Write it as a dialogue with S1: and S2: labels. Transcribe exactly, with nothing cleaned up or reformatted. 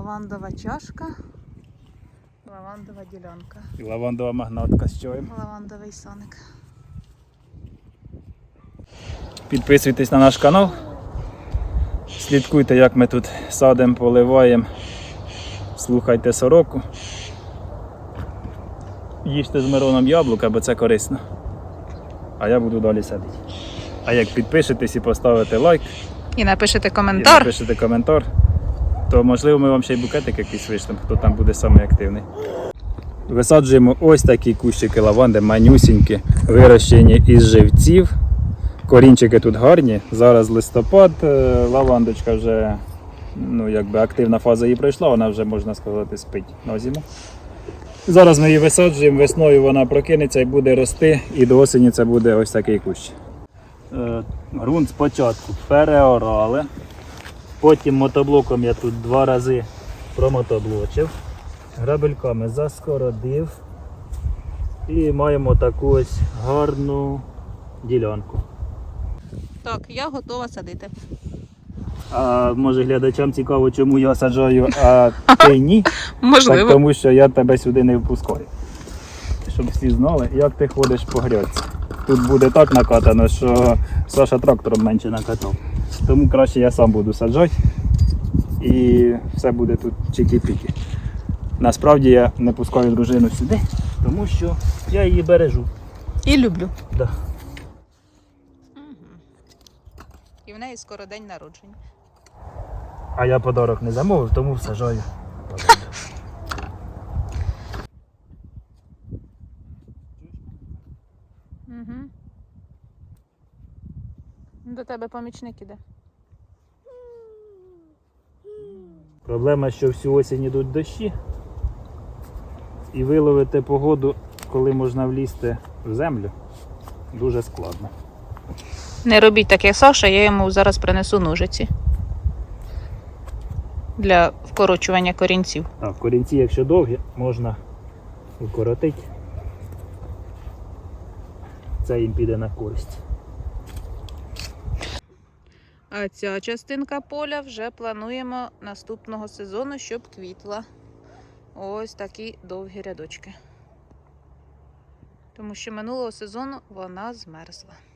S1: Лавандова чашка, лавандова ділянка.
S2: І лавандова магнатка з чаєм.
S1: Лавандовий соник.
S2: Підписуйтесь на наш канал. Слідкуйте, як ми тут садимо, поливаємо. Слухайте сороку. Їжте з Мироном яблука, бо це корисно. А я буду далі садити. А як підпишетесь і поставите лайк,
S1: І напишете
S2: і
S1: коментар.
S2: напишете коментар, то можливо ми вам ще й букетик якийсь вишлемо, хто там буде самий активний. Висаджуємо ось такі кущики лаванди, манюсінькі, вирощені із живців. Корінчики тут гарні. Зараз листопад, лавандочка вже, ну, якби активна фаза її пройшла, вона вже, можна сказати, спить на зиму. Зараз ми її висаджуємо, весною вона прокинеться і буде рости, і до осені це буде ось такий кущ. Ґрунт спочатку переорали, потім мотоблоком я тут два рази промотоблочив, грабельками заскородив і маємо таку ось гарну ділянку.
S1: Так, я готова садити.
S2: А може глядачам цікаво, чому я саджаю, а ти ні?
S1: Можливо.
S2: Так тому що я тебе сюди не впускаю. Щоб всі знали, як ти ходиш по грядці. Тут буде так накатано, що Саша трактором менше накатав. Тому краще я сам буду саджати і все буде тут чики-піки. Насправді я не пускаю дружину сюди, тому що я її бережу.
S1: І люблю.
S2: Да.
S1: І в неї скоро день народження.
S2: А я подарок не замовив, тому саджаю.
S1: Угу. До тебе помічник іде.
S2: Проблема, що всю осінь йдуть дощі, і виловити погоду, коли можна влізти в землю, дуже складно.
S1: Не робіть так, як Саша, я йому зараз принесу ножиці. Для вкорочування корінців.
S2: Так, корінці, якщо довгі, можна укоротити. Це їм піде на користь.
S1: А ця частинка поля вже плануємо наступного сезону, щоб квітла. Ось такі довгі рядочки. Тому що минулого сезону вона змерзла.